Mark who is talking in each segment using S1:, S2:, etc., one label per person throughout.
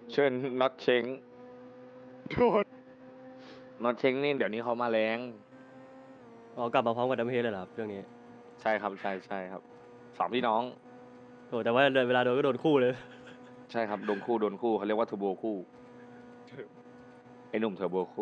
S1: เชิญน็อตเชงน็อตเชงนี่เดี๋ยวนี้เขามาแรง
S2: อ๋อกลับมาพร้อมกับดัมเฮดเลยเหรอครับเรื่องนี้
S1: ใช่ครับใช่ใช่ครับสองพี่น้อง
S2: โอ้แต่ว่าเวลาโดนก็โดนคู่เลย
S1: ใช่ครับโดนคู่โดนคู่เขาเรียกว่าเทอร์โบคู่ไอ้หนุ่มเทอร์โบคู่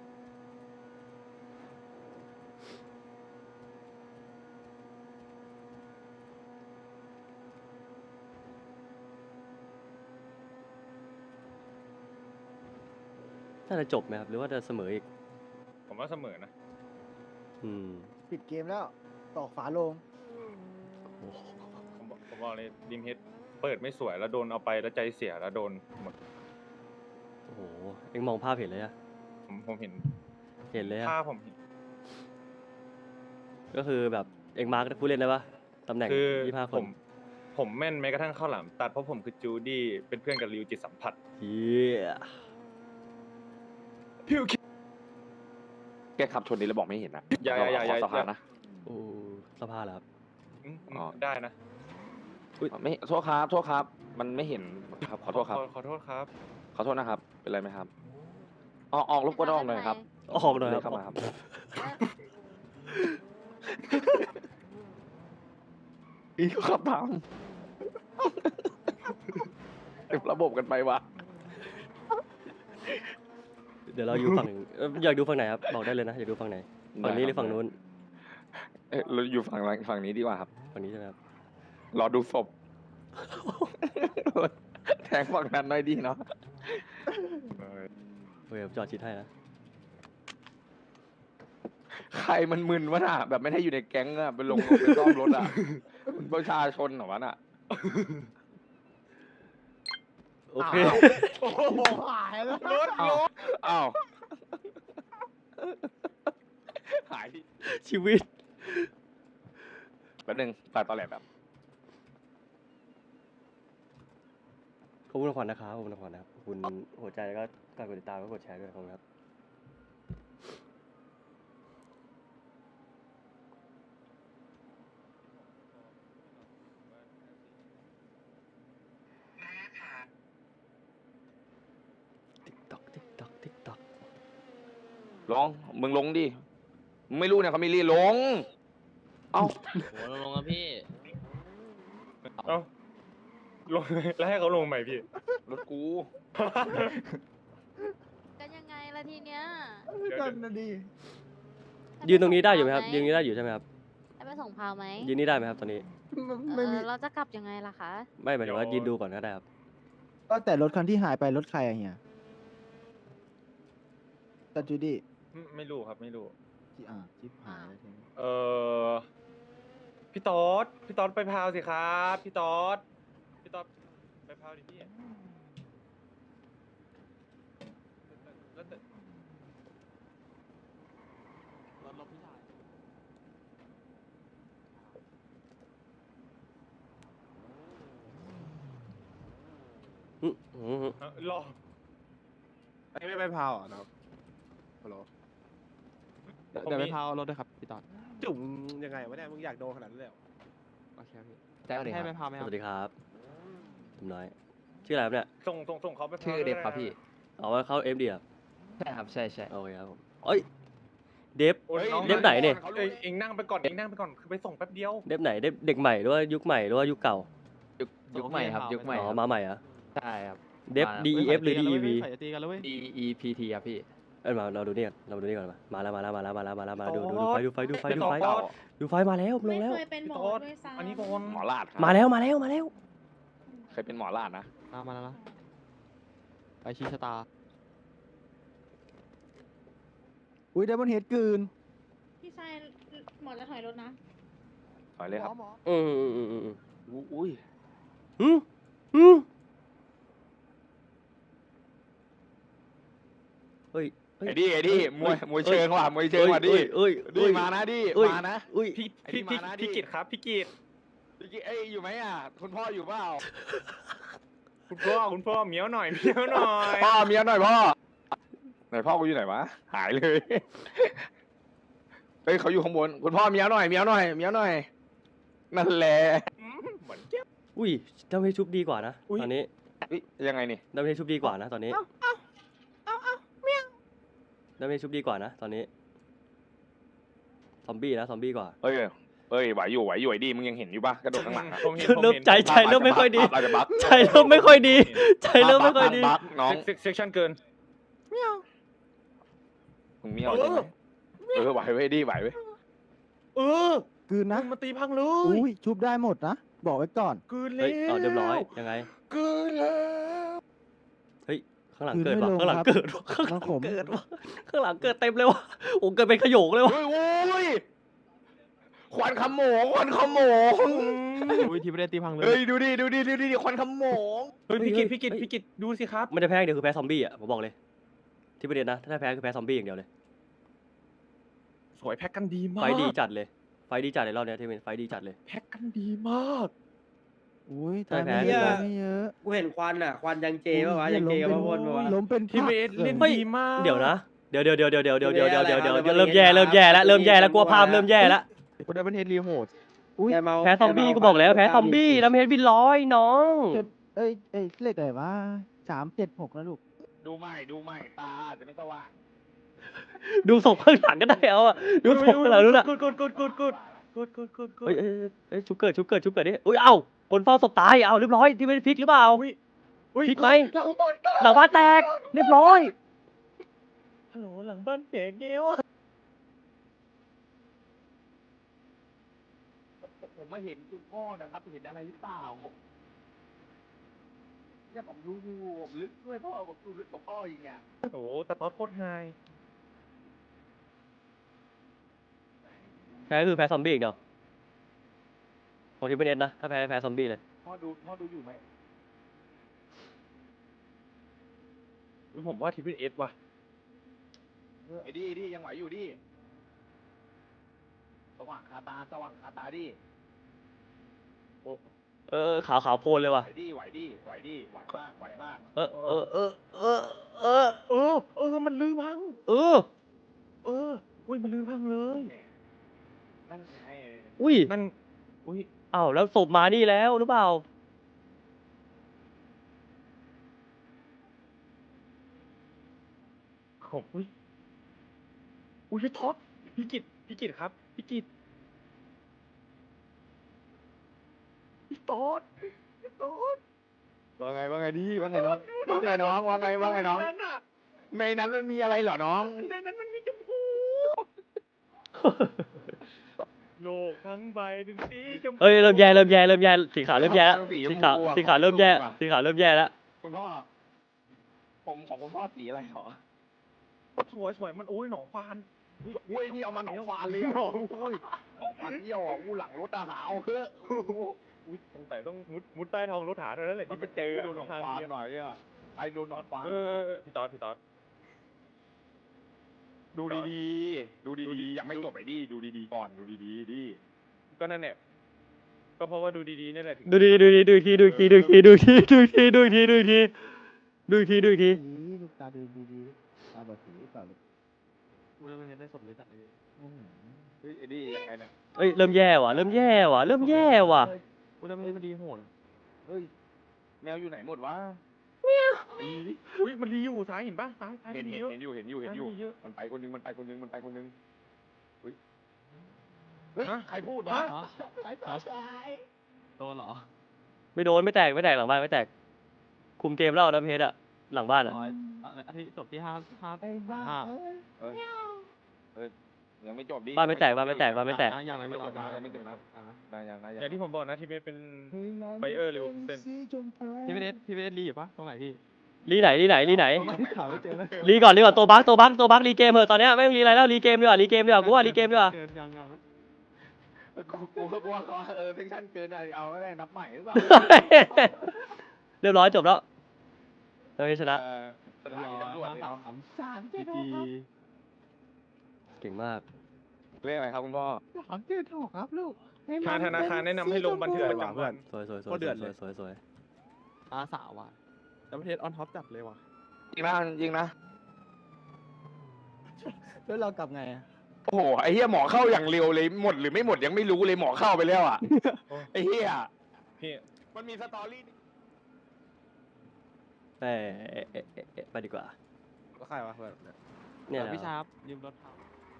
S2: น่าจะจบไหมครับหรือว่าจะเสมออีก
S3: ผมว่าเสมอนะ
S2: อืม
S4: ปิดเกมแล้วตอกฝาโลง
S2: โอ้โห
S3: ผมบอกเลยดิมเฮดเปิดไม่สวยแล้วโดนเอาไปแล้วใจเสียแล้วโดนหมด
S2: โอ้โหเอ็งมองภาพเห็นเลยอะ
S3: ผมเห็น
S2: เห็นเลยอะ
S3: ภาพผมเห็น
S2: ก็คือแบบเอ็งมาร์กผู้เล่นได้ปะตำแหน่ง
S3: คือ
S2: 25 ค
S3: ผ
S2: น
S3: ผมแม่นแม้กระทั่งข้าวหลามตัดเพราะผมคือจูดี้เป็นเพื่อนกับริวจิตสัมผัส
S2: เฮีย
S1: แกขับชนนี้แล้วบอกไม่เห็นนะ
S3: อย่า
S1: ขอสะพานนะ
S2: โอ้สภาพแล้วครับ
S1: อ๋อ
S3: ได้นะ
S1: ไม่โทษครับโทษครับ มันไม่เห็นครับขอโทษครับ
S3: ขอโทษครับ
S1: ขอโทษนะครับ เป็นไรไหมครับออกรบกวนออกหน่อยครับ
S2: ออกหน่อยครับ
S1: เข้ามาครับอีกขับตามเต็มระบบกันไปวะ
S2: เดี๋ยวเราอยู่ฝั่งอยากดูฝั่งไหนครับบอกได้เลยนะอยากดูฝั่งไหนฝั่งนี้หรือฝั่งนู้น
S1: เราอยู่ฝั่งนี้ดีกว่าครับ
S2: ฝั่งนี้ใช่ไหมครับ
S1: รอดูศพ แทงฝั่งนั้นหน่อยดีเนาะ
S2: โอเคผมจอดชิดให้นะ
S1: ใครมันมึนวะน่ะ แบบไม่ได้อยู่ในแก๊งอะไปลงไปซ่อมรถอะมันประชาชนเหรอวะน่ะ
S2: โอเค
S4: โอ้โหหายแล้ว
S1: อ้าวหาย
S2: ชีวิต
S1: แป๊บนึงตัดตอนแหลแบบ
S2: ขอบคุณขวัญนะครับขอบคุณขวัญนะครับขอบคุณหัวใจแล้วก็การกดติดตามแล้วก็กดแชร์ด้วยขอบคุณครับติ๊กตอกติ๊กตอกติ๊กตอก
S1: ลงมึงลงดิมึงไม่รู้เนี่ยเขามีรีลง เอ้า
S5: โหลงครับพี่
S3: เอ้าลงแล้วให้เขาลงใหม่พี่
S1: รถกู
S6: กันยังไงล่ะทีเนี้ย
S4: กันนะดี
S2: ยืนตรงนี้ได้อยู่ไหมครับยืนตรงนี้ได้อยู่ใช่ไหมครับ
S6: ให้ไปส่งพาวไหม
S2: ยืนนี่ได้ไหมครับตอนนี้
S4: ไม่มี
S6: เราจะกลับยังไงล่ะคะ
S2: ไม่หมายถึงว่ายืนดูก่อนก็ได้ครับ
S4: ก็แต่รถคันที่หายไปรถใครอะเฮียตันจูดี้
S3: ไม่รู้ครับไม่รู้
S4: ชิปหายแล้วทีนี้
S3: พี่ต๊อดไปพาวสิครับพี่ต๊อดไปพาวดิพี่แล้วแต่ รอ
S7: ไม่ไปพาวอ่ะนะครับฮัลโหลเดี๋ยวไปพาวรถด้วยครับพี่ตอนจุ่มยังไงวะเนี่ยมึงอยากโดนขนาดนั้นเลยเหรอโอเคครับพี่ให้ไปพาวไหมค
S2: ส
S7: รับ
S2: วัสดีครับผมน้อย ชื่ออะไรครับเนี่ย
S3: ส่งเขาไปพาว
S5: ชื่อเดฟครับพี่
S2: เอาว่าเข้า FD ครับ
S5: ใช่ครับ ใช่ใช่
S2: โอเคครับผมเอ้ย เดฟ
S3: โอ้ยน้อง
S2: เดฟไหนเนี่ย
S3: เองนั่งไปก่อนคือไปส่งแป๊บเดียว
S2: เดฟไหน เด็กใหม่หรือว่ายุคใหม่หรือว่ายุคเก่า
S5: ยุคใหม่ครับ ยุคใหม่
S2: อ๋อ
S5: ครับ
S2: มาใหม่เหรอะ
S5: ใช่ครับ
S2: เดฟ DEF หรือ DEV
S7: ใส่ตีกันแล้วเว้ย
S5: D E P T ครับพี่
S2: เอ้ยมาเราดูนี่ก่อนเราดูนี่ก่อนมาแล้วดูไฟดูไฟ
S3: พี่ต๊อด
S2: ดูไฟมาแล้วลงแล้ว
S8: ไม่เคยเป็นหมอ
S3: พี่ต๊อด
S8: ด้วยซ้ำ
S3: อันนี้บอล
S1: หมอลาดครับ
S2: มาแล้ว
S1: เคยเป็นหมอลาดนะ
S7: มาแล้วไปชี้ชะตา
S4: อุ้ยไดมอนเฮดกืน
S8: พี่ชายหมอจะถอยรถนะ
S1: ถอยเลยครับ
S4: หมอ
S2: อืม
S1: อุ้ย
S2: เฮ้ย
S1: ไอ้ดิมวยเชิงว่ะมวยเชิงว่ะดิ
S2: เอ้ย
S1: ดิมานะดิ
S2: เอ้ย
S1: มานะ
S2: อุ้ย
S3: พี่
S1: ไอ้นี่มานะดิ
S3: กิตครับพี่กิต
S1: เอ้ยอยู่ไหมอ่ะคุณพ่ออยู่เปล่า
S3: คุณพ่อเหมียวหน่อย
S1: พ่อเมียหน่อยพ่อไหนพ่อกูอยู่ไหนวะหายเลยเฮ้ยเขาอยู่ข้างบนคุณพ่อเมียหน่อยนั่นแหละ
S3: เหมือนเก็บ
S2: อุ้ยเจ้าไม่ชุบดีกว่านะ
S3: อุ๊ย
S2: ตอนนี้
S1: เฮ้ยยังไงนี่
S2: ดับเบิลเฮดชุบดีกว่านะตอนนี้ดับเบิลเฮดชุบดีกว่านะตอนนี้ซอมบี้นะซอมบี้กว่า
S1: เอ้ยไหวอยู่ไอ้ดีมึงยังเห็นอยู่ปะกระโดดข้างหลังอะ
S3: ผมเห็น
S2: เริ่มใจเริ่มไม่ค่อยดี
S1: อาจจะบัก
S2: ใจเริ่มไม่ค่อยดีใจเริ่มไม่ค่อยดี
S1: บักน้อง
S3: เซ็กชันเกิน
S1: มึงไม่เอาจริงไหมไหวเว้ยดีไหวเว้ย
S4: กลืนนะ
S7: มันตีพังเล
S4: อุ้ยชุบได้หมดนะบอกไว้ก่อน
S7: กลืนเล
S2: เฮ้
S7: ย
S2: ยเรียบร้อยยังไง
S7: กลืนแล้ว
S2: เฮ้ยข้างหลัง
S4: คืน
S2: เกิด
S4: ไม่
S2: ว่ะ
S4: ลง
S2: ข้างหลัง
S4: ครับ
S2: เกิดว่ะข้างหลั
S4: น้อง งผม
S2: เกิดว่ะข้างหลังเกิดเต็มเลยว่ะโอ้เกิดเป็นขโยงเลยว่ะ
S1: โอ้ยควันขโมง
S7: อุ้ยทีไม่ได้ตีพังเลย
S1: เฮ้ยดูดิควันขโมง
S3: เฮ้ยพี่กิตดูสิครับ
S2: มันจะแพ้อย่างเดียวคือแพ้ซอมบี้อ่ะผมบอกเลย ที่ประเด็นนะถ้าแพ้คือแพ้ซอมบี้อย่างเดียวเลย
S3: สวยแพ็กกันดีมา
S2: ไฟ
S3: ก
S2: ดีจัดเลยไฟดีจัดเลยรอบเนี้ยที่เป็นไฟดีจัดเลย
S3: แพ็กกันดีมาก
S4: อุ้ย
S2: ได้
S4: ตาย
S2: แพ้
S4: ไม่เยอะไม่เยอะ
S9: กูเห็นควันอ่ะ ควันยังเจป่ะวะ ยังเจกับพระพลป่ะวะ
S4: ล้มเป็น
S3: ทีมเอสเล่น
S2: เฮ้ย
S3: ดีมาก
S2: เดี๋ยวนะเดี๋ยวเริ่
S9: เริ่
S2: ม
S9: ม
S2: แย่
S9: แย่
S2: เริ่มแย่แล้วเริ่มแย่แล้วกลัวภาพเริ่มแย่แล้ว
S7: กูได้เป็นเฮดรีโหด
S4: อุ้ย
S9: แกเมา
S2: แพ้ซอมบี้ก็บอกแล้วแพ้ซอมบี้แล้วไม่เห็นบินร้อยน้อง
S4: เอ้ยเลขอะไรวะ376นะลูก
S1: ดูใหม่ตาจะไม่สว่าง
S2: ดูศพข้างหลังก็ได้เอาอะดูศพข้างหลังนู้นอะ
S3: กูด
S2: เอ้ยชุบเกิดดิอุ้ยเอ้าคนเฝ้าศพตายเอาเรียบร้อยที่ไม่ได้พลิกหรือเปล่าพลิกไหมหลังบ้านแตกเรียบร้อย
S3: ฮัลโหลหลังบ้านเสียเกล
S1: ผมมาเห็นคุณพ่อนะครับเห็นอะไรหรือเปล่าเนี่ยผมดูผมลึกด้วยพ่อผมดูลึกกว่าพ่ออีกเนี่ย
S3: โอ้โหแต่ตอนโคตรไฮ
S2: แพ้คือแพ้ซอมบี้อีกเดียวของทีมเป็นเอ็นนะถ้าแพ้ซอมบี้เลย
S1: พ่อดูอยู่ไหม
S3: ผมว่าทีมเอสว่ะ
S1: ไอ้ดียังไหวอยู่ดิสว่างคาตาดิ
S2: ขาวโพลนเลยว่ะ
S1: ไหวมาก
S3: มันลืมพัง อุ้ยมันลืมพังเลย
S1: นั่นไง
S2: อุ้ย
S3: นั่นอุ้ย
S2: เอ้าแล้วศพมานี่แล้วหรือเปล่า
S3: ผมอุ้ยพี่ท็อปพี่กิตครับพี่กิตพี่ต๊อด
S1: ว่าไงดีว่าไงน้องในนั้นมันมีอะไรเหรอน้อง
S3: ในนั้นมันมีชมพู โลกทั้งใบเป็นสีชมพู
S2: เอ้ยเริ่มแย่สีขาวเริ่มแย่แล้วสีขาวเริ่มแย่แล้ว
S1: คุณพ่อผมของคุณพ่อสีอะไรหรอ
S3: สวยมันโอ้ยหนองควาน
S1: เว้ยนี่เอามาหนองควานเลยหนองควานเยี่ยวอ่ะอู้หลังรถอาหารเอาเถอะ
S3: อุ้ยสงสัยต้องมุดใต้ท้องรถหาเท่านั้นแหละ
S1: มันไปเจอดูหนองควานหน่อยอ่ะไอ้ดูหนองควาน
S3: พี่ต๊อด
S1: ดูดีๆยังไม่จบไอ้ดิดูดีๆก่อนดูดีๆดิ
S3: ก็นั่นแหละก็เพราะว่าดูดีๆนี่แหละ
S2: ดูอีกที
S4: นี่ลูกตาดูดีๆตาบอดสีเปล่าลูก
S7: กูได้เป็นเฮดได้สมเลยจัดเลย
S1: เฮ้ยไอ้ดิยังไงเนี่ย
S2: เอ้ยเริ่มแย่ว่ะ
S7: กูได้เป็นเฮดรีโหด
S1: เฮ้ยแมวอยู่ไหนหมดวะ
S3: อุ้ยมันรีอยู่ซ้ายเห็นป่ะซ้าย
S1: เห็น
S3: มีเยอะ
S1: อยู่
S3: มันมีเยอะ
S1: มันไปคนนึงเฮ้ยใครพูดวะ
S7: โดนเหรอ
S2: ไม่โดนไม่แตกหลังบ้านไม่แตกคุมเกมแล้วนะเพชรอะหลังบ้านอะ
S7: อาทิตย์จบที่5
S1: ยังไม่จบดิ
S2: บ้านไม่แตก
S7: อย่างไรไม่ออก
S1: ยังไม่จบนะยัง
S3: อย่างที่ผมบอกนะที่เป็นไบเออร์หรือเซน
S7: พี่ไม่ได้รีอยู่ปะตรงไหนพี่
S2: รีไหน
S7: ถามไม่เจอเลย
S2: รีก่อนตัวบักรีเกมเหอะตอนเนี้ยไม่รีอะไรแล้วรีเกมดีกว่ากูว่ารีเกมดีกว่า
S7: ยัง
S1: กูว่าเขาเซ็กชั่นเกินอะไรเอาอะไรนับใหม่หรือเปล่า
S2: เรียบร้อยจบแล้วเราชนะ
S1: สถานีตำรวจเนาะ
S7: จีจี
S2: เก่งมาก
S1: เรียกอะไรครับคุณพ่อ
S4: 376ครับลูก
S3: ทางธนาคารแนะนำให้ลงบันทึกประจำวัน
S2: สวย
S7: อาสาว่ะแต่ประเทศออนท็อปจัดเลยว่ะ
S1: จริงนะ
S4: แล้วเรากลับไงอะ
S1: โอ้โหไอ้เหี้ยหมอเข้าอย่างเร็วเลยหมดหรือไม่หมดยังไม่รู้เลยหมอเข้าไปแล้วอ่ะไอ้เหี้ย
S3: พี่
S1: มันมีสตอรี่
S2: ไปไปดีกว่า
S7: ก็ใครวะเพื่อนเนี่ย
S2: เนี่ยนะ
S4: พี่ชาร์ปยืมรถเขา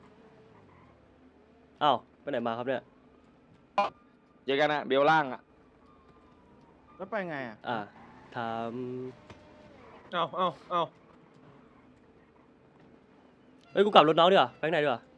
S2: อ้าวไปไหนมาครับเนี่ย
S1: เจอกันนะเบลล่างอ่ะ
S4: แล้วไปไงอ่ะ
S2: ถาม
S3: เอา
S2: เฮ้ยกูกลับรถน้องดีกว่าไปข้างในดีกว่า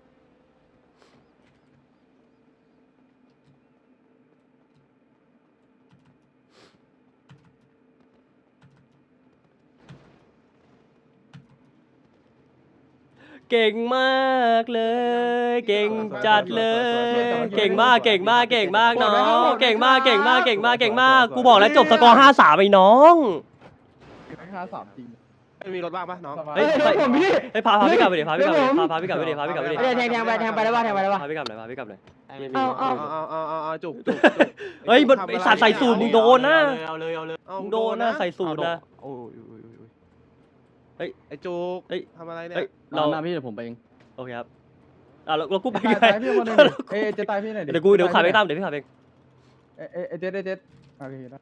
S2: เก่งมากเลย เก่งจัดเลย เก่งมากน้องเก่งมากกูบอกแล้วจบสกอร์5-3ไอ้น้อง
S4: 5-3จริง
S7: ไม่มีรถบ้างปะน้อง
S2: เฮ้ยพาพี่กลับไปดิพาพี่กลับไปดิพาพี่กลับไปดิ
S9: แทงไปได้ป่ะ
S2: พาพี่กลับหน่อย
S7: เอาจุก
S2: เฮ้ยไอสัตว์ใส่สูตรมึงโดนนะ
S4: เอาเลย
S2: มึงโดนนะใส่สูตรนะ
S4: โอ้ย
S2: เฮ้ย
S7: ไอ้จุก
S2: เฮ้ย
S7: ทำอะไรเนี่ย
S2: เฮ้ย
S4: เรา
S2: เรา
S4: หน้าพี่เดี๋ยวผมไปเอง
S2: โอเคครับเรากูไป
S4: ตาย
S2: ไง
S4: พี่คนนึงเอ้จะตายพี่หน่อย
S2: เดี๋ยวขับไปตามเดี๋ยวพี่ขับเอง
S4: เจ็ดโอเคนะ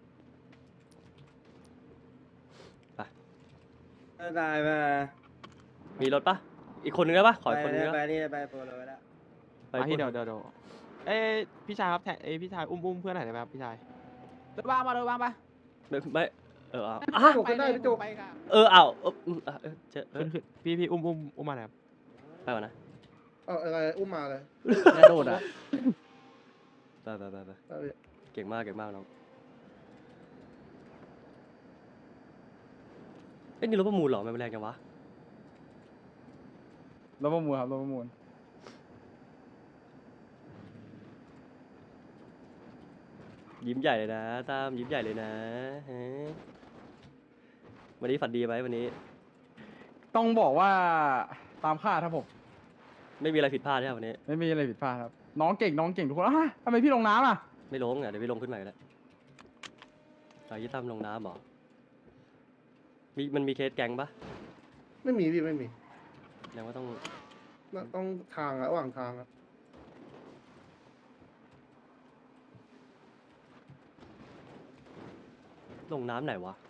S9: ได้มา
S2: มีรถปะอีกคนนึงได้ปะขออีกคนนึง
S9: ไป
S2: ได้
S9: นี่ไปโปรเลยแล้ว
S2: ไป
S4: พี่เดี๋ยวพี่ชายครับพี่ชายอุ้มเพื่อนหน่อยได้ไหมครับพี่ชายรถว่างปะ
S2: ไม่
S9: จุกก็ได้พี่จุก
S2: เอาเจอ
S4: ขึ้นพี่อุ้มมาหน่อยครับ
S2: ไปก่อนนะ
S7: อะไรอุ้มมาเลย
S4: กระโดดอ่ะ
S2: ไปเก่งมากน้องเอ้ยนี่รถประมูลเหรอมันแรงจังวะ
S4: รถประมูลครับรถประมูล
S2: ยิ้มใหญ่เลยนะตามยิ้มใหญ่เลยนะฮะวันนี้ฝันดีไหมวันนี้
S4: ต้องบอกว่าตามคาดครับผม
S2: ไม่มีอะไรผิดพลาดใช่ไหมวันนี้
S4: ไม่มีอะไรผิดพลาดครับน้องเก่งทุกคนทำไมพี่ลงน้ำอ่ะ
S2: ไม่ลงอ่ะเดี๋ยวพี่ลงขึ้นใหม่แล้วยี่ตั้มลงน้ำเหรอมันมีเคสแก๊งปะ
S7: ไม่มีพี่ไม่มี
S2: แสดงว่าต้อง
S7: ต้องทางระหว่างทาง
S2: ลงน้ำไหนวะ